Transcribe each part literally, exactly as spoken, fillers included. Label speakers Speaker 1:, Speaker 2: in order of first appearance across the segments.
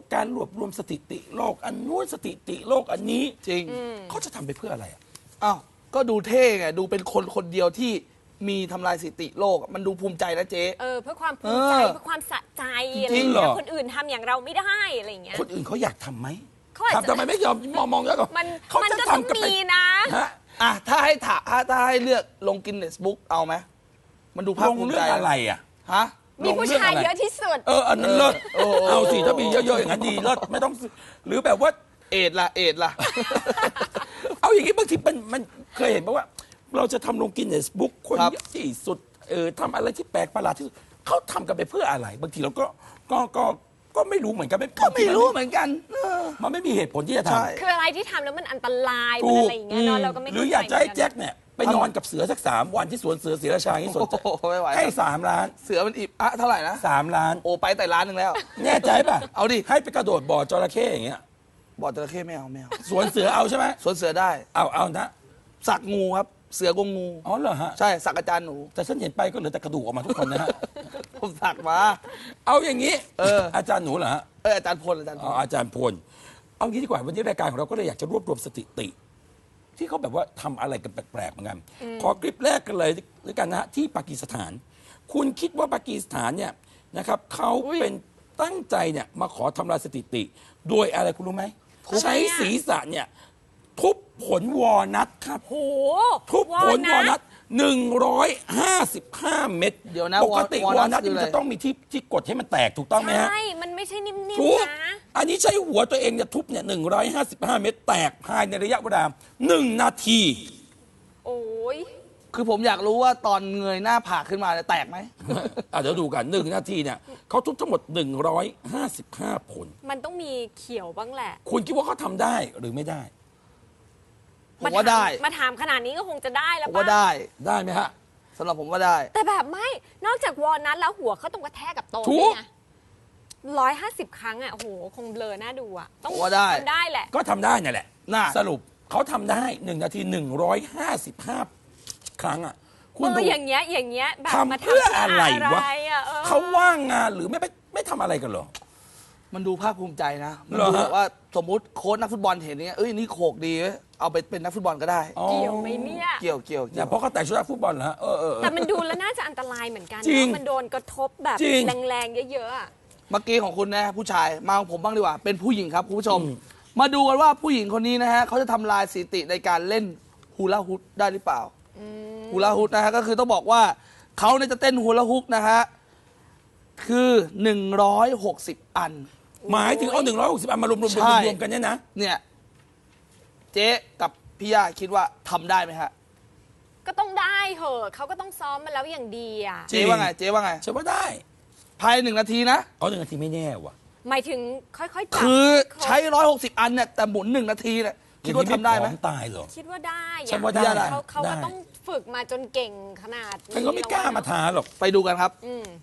Speaker 1: การรวบรวมสถิติโลกอันนู้นสถิติโลกอันนี้
Speaker 2: จริง
Speaker 1: เขาจะทำไปเพื่ออะไรอ่ะ
Speaker 2: อ้าวก็ดูเท่ไงดูเป็นคนคนเดียวที่มีทำลายสถิติโลกมันดูภูมิใจนะเจ๊
Speaker 3: เออเพื่อความภูมิใจ
Speaker 2: เออ
Speaker 3: เพื่อความสะใจอะไร
Speaker 1: จริ
Speaker 3: อง ย่าง
Speaker 1: เหร
Speaker 3: เงี้
Speaker 1: อ
Speaker 3: ยคนอื่นทำอย่างเราไม่ได้อะไรอย่างเงี้ย
Speaker 1: คนอื่นเขาอยากทำไหม
Speaker 3: เขาอาจจะ
Speaker 1: ทำทำไมไม่ยอมมองมองแล้วก็
Speaker 3: มัน
Speaker 1: เขา
Speaker 3: มัน
Speaker 1: จะ
Speaker 3: ก็ต้อง
Speaker 1: ทำกันไป
Speaker 3: มีนะ
Speaker 1: ฮะ
Speaker 2: อ่ะถ้าให้ถาถ้าถ้าให้เลือกลงกินเนสบุ๊กเอาไหมมันดูภาค
Speaker 1: ลง
Speaker 2: ภูมิ
Speaker 1: เรื่
Speaker 2: ใจ
Speaker 1: องอะไรอ่ะ
Speaker 2: ฮะ
Speaker 3: มีผู้ชายเยอะที่สุด
Speaker 1: เอออันนั้นเลิศ
Speaker 2: เออเออ
Speaker 1: เอาสิถ้ามีเยอะๆอย่างนั้นดีเลิศไม่ต้องซื้อหรือแบบว่า
Speaker 2: เอ็ดล่ะเอ็ดล่ะ
Speaker 1: เอาอย่างนี้บางทีมันมันเคยเห็นป่ะว่า เราจะทำลงกินเนสบุ๊กคน
Speaker 2: ครับ
Speaker 1: เยอะที่สุดเออทำอะไรที่แปลกประหลาดที่สุดเขาทำกันไปเพื่ออะไร บางทีเราก็ก็ก็ก็ไม่รู้เหมือนกัน
Speaker 2: ก็ไม่รู้เหมือนกันเออ
Speaker 1: มันไม่มีเหตุผลที่จะท
Speaker 2: ใช่
Speaker 3: คืออะไรที่ทำแล้วมันอันตราย
Speaker 1: ถู
Speaker 3: มัน
Speaker 1: ก
Speaker 3: อะไรอย่างเงี้ยเนาะเราก็ไม่
Speaker 1: ำหรืออยากจะให้แจ็คเนี่ยไปนอนกับเสือสักสามวันที่สวนเสือศรีราชาที่สวน
Speaker 2: โอ้โหไม่ไหว
Speaker 1: ให้สามล้าน
Speaker 2: เสือมันอิบอะเท่าไหร่นะ
Speaker 1: สามล้าน
Speaker 2: โอ้ไปแต่ร้านหนึ่งแล้ว
Speaker 1: แน่ใจป่ะ
Speaker 2: เอาดิ
Speaker 1: ให้ไปกระโดดบ่อจระเข้อย่างเงี้ย
Speaker 2: บ่อจระเข้ไม่เอาไม่เอา
Speaker 1: สวนเสือเอาใช่ไหม
Speaker 2: สวนเสือได้
Speaker 1: เอาเอานะ
Speaker 2: สักงูครับ เสือกงงู
Speaker 1: อ๋อเหรอฮะ
Speaker 2: ใช่สักอาจารย์หนู
Speaker 1: แต่ฉันเห็นไปก็เหลือแต่กระดูกออกมาทุกคนนะฮะ
Speaker 2: ผมสักมา
Speaker 1: เอาอย่างนี้
Speaker 2: เออ
Speaker 1: อาจารย์หนูเหรอฮะ
Speaker 2: เอออาจารย์พลอาจารย์พ
Speaker 1: อ๋อ
Speaker 2: ล
Speaker 1: อาจารย์พล เอางี้ดีกว่าวันนี้รายการของเราก็เลยอยากจะรวบรวมสถิติ ที่เขาแบบว่าทำอะไรกันแปลกๆเหมือนกันขอคลิปแรกกันเลยด้วยกันนะฮะที่ปากีสถาน คุณคิดว่าปากีสถานเนี่ยนะครับเขาเป็นตั้งใจเนี่ยมาขอทำลายสถิติ โดยอะไรคุณรู้ไหมใช้ศีรษะเนี่ยทุบผลวอลนัทครับ
Speaker 3: โห
Speaker 1: ทุบผลวอลนัทหนึ่งร้อยห้าสิบห้าเม็ด
Speaker 2: เดี๋ยวนะ
Speaker 1: ปกติ
Speaker 2: วอล
Speaker 1: วอล
Speaker 2: นั
Speaker 1: นั
Speaker 2: ท
Speaker 1: ท
Speaker 2: คือ
Speaker 1: มัน
Speaker 2: อะไร
Speaker 1: จะต้องมีที่ที่กดให้มันแตกถูกต้องไหมฮะ
Speaker 3: ใช่ มันไม่ใช่นิ่ม
Speaker 1: ทุบ
Speaker 3: ๆนะ
Speaker 1: อันนี้ใช้หัวตัวเองเนี่ยทุบเนี่ยหนึ่งร้อยห้าสิบห้าเม็ดแตกภายในระยะเวลาหนึ่งนาที
Speaker 3: โอ้ย
Speaker 2: คือผมอยากรู้ว่าตอนเงยหน้าผากขึ้นมาเนี่ยแตกไหม
Speaker 1: อ่ะเดี๋ยวดูกันหนึ่งนาทีเนี่ยเขาทุบทั้งหมดหนึ่งร้อยห้าสิบห้าผล
Speaker 3: มันต้องมีเขียวบ้างแหละ
Speaker 1: คุณคิดว่าเขาทำได้หรือไม่ได้
Speaker 2: ผมว่าได้
Speaker 3: มาถามขนาดนี้ก็คงจะได้แล้ว
Speaker 2: ผม
Speaker 3: ป่ะ
Speaker 2: ว่าได้
Speaker 1: ได้ไหมฮะ
Speaker 2: สำหรับผมว่าได้
Speaker 3: แต่แบบไม่ นอกจากวอลนัทแล้วหัวเขาต้องกระแทกกับโต๊ะ
Speaker 1: ถู
Speaker 3: ด้ว
Speaker 1: ก
Speaker 3: ยไงร้อยห้าสิบครั้งอ่ะโอ้โห คงเบลอหน้าดูอ่ะ ต้อง
Speaker 2: ผมว่าได้
Speaker 3: ทำได้แหละ
Speaker 1: ก็ทำได้นั่นแหละ
Speaker 2: น่า
Speaker 1: สรุปเขาทำได้หนึ่งนาทีหนึ่งร้อยห้าสิบห้าครั้งอ่ะคุ
Speaker 3: เอ
Speaker 1: ณ
Speaker 3: อ
Speaker 1: ดู
Speaker 3: อย่างเงี้ย อย่างเงี้ยแบบมา
Speaker 1: ทำเพื่ออะไรวะ
Speaker 3: อะเออ
Speaker 1: เขาว่างงานหรือไม่ไม่ไม่ทำอะไรกันเหรอ
Speaker 2: มันดูภาคภูมิใจนะมัน
Speaker 1: เหรอ
Speaker 2: ดู
Speaker 1: ฮะ
Speaker 2: แบบว่าสมมุติโค้ชนักฟุตบอลเห็นเนี้ยเอ้ยนี่โขกดีเว้ยเอาไปเป็นนักฟุตบอลก็ได้
Speaker 1: อ๋อ
Speaker 3: เกี่ยวไหมเนี่ย
Speaker 2: เกี่ยวเกี่ยว
Speaker 1: เนี่
Speaker 2: เกี่
Speaker 1: ย
Speaker 2: ยว
Speaker 1: เพราะเขาแต่งชุดนักฟุตบอลเหรอฮะเออเออเออ
Speaker 3: แต่มันดูแล้วน่าจะอันตรายเหมือนกัน
Speaker 1: จริง
Speaker 3: เนอะมันโดนกระทบแบบ
Speaker 1: จริง
Speaker 3: แรงๆ เยอะๆอะ
Speaker 2: เมื่อกี้ของคุณนะผู้ชายมาของผมบ้างดีกว่า เป็นผู้หญิงครับคุณผู้ชม มาดูกันว่าผู้หญิงคนนี้นะฮะเขาจะทำลายสถิติในการเล่นฮูลาฮูปได้หรือเปล่าฮูลาฮูปนะฮะก็คือต้องบอกว่าเขาเนี่ยจะเต้นฮูลาฮูปนะฮะคือหนึ่งร้อยหกสิบอัน
Speaker 1: หมายถึงเอาหนึ่งร้อยหกสิบอันมารวมรวม
Speaker 2: ใช่
Speaker 1: รวมกันเนี่ยนะ
Speaker 2: เนี่ยเจ๊กับพี่ย่าคิดว่าทำได้ไหมฮะ
Speaker 3: ก็ต้องได้เหอะเขาก็ต้องซ้อมมาแล้วอย่างดีอ่ะ
Speaker 1: จริง
Speaker 2: เจ๊ว่าไงเจ๊ว่าไง
Speaker 1: ฉันว่าได้
Speaker 2: ภายในหนึ่งนาทีนะ
Speaker 1: เอาหนึ่งนาทีไม่แน่ว่ะ
Speaker 3: หมายถึงค่อยๆจับ
Speaker 2: คือใช้ร้อยหกสิบอันเนี่ยแต่หมุนหนึ่งนาทีเนี่ยคิดว่าทำได้ไหม
Speaker 1: อย่างนี้ผอตายเหรอ
Speaker 3: คิดว่าได้อะ
Speaker 1: ฉันว่าได้
Speaker 3: เขาเขา
Speaker 1: ได้
Speaker 3: ก็ต้องฝึกมาจนเก่งขนาดนี้
Speaker 1: ฉันก็ไม่กล้ามาท้าหรอก
Speaker 2: ไปดูกันครับ
Speaker 3: อืม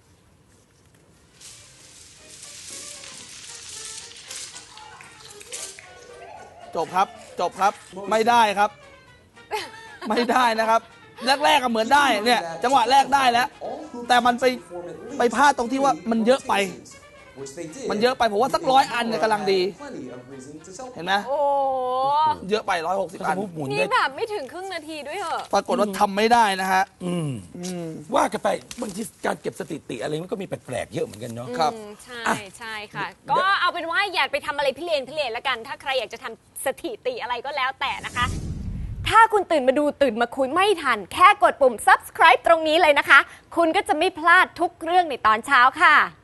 Speaker 2: จบครับ จบครับ ไม่ได้ครับ ไม่ได้นะครับ แรกๆก็เหมือนได้เนี่ย จังหวะแรกได้แล้ว แต่มันไปไปพลาดตรงที่ว่ามันเยอะไป มันเยอะไปผมว่าสักร้อยอันเนี่ยกำลังดี เห็นไหม
Speaker 3: โอ้
Speaker 2: เยอะไปร้อยหกสิบ
Speaker 1: ส
Speaker 2: อั
Speaker 1: ม
Speaker 2: น
Speaker 1: มติหมุน
Speaker 3: นี่
Speaker 1: ได้
Speaker 3: แบบไม่ถึงครึ่งนาทีด้วยเหอะ
Speaker 2: ปรากฏว่าทำไม่ได้นะฮะ
Speaker 1: อืมว่ากันไปบางทีการเก็บสถิติอะไรมันก็มีแปลกๆเยอะเหมือนกันเนาะ
Speaker 2: ครับ
Speaker 3: อืมใช่
Speaker 1: อ่ะ
Speaker 3: ใช่ค่ะ ก็เอาเป็นว่าอย่าไปทำอะไรพิเรนพิเรนแล้วกัน ถ้าใครอยากจะทำสถิติอะไรก็แล้วแต่นะคะ ถ้าคุณตื่นมาดูตื่นมาคุยไม่ทัน แค่กดปุ่ม subscribe ตรงนี้เลยนะคะ คุณก็จะไม่พลาดทุกเรื่องในตอนเช้าค่ะ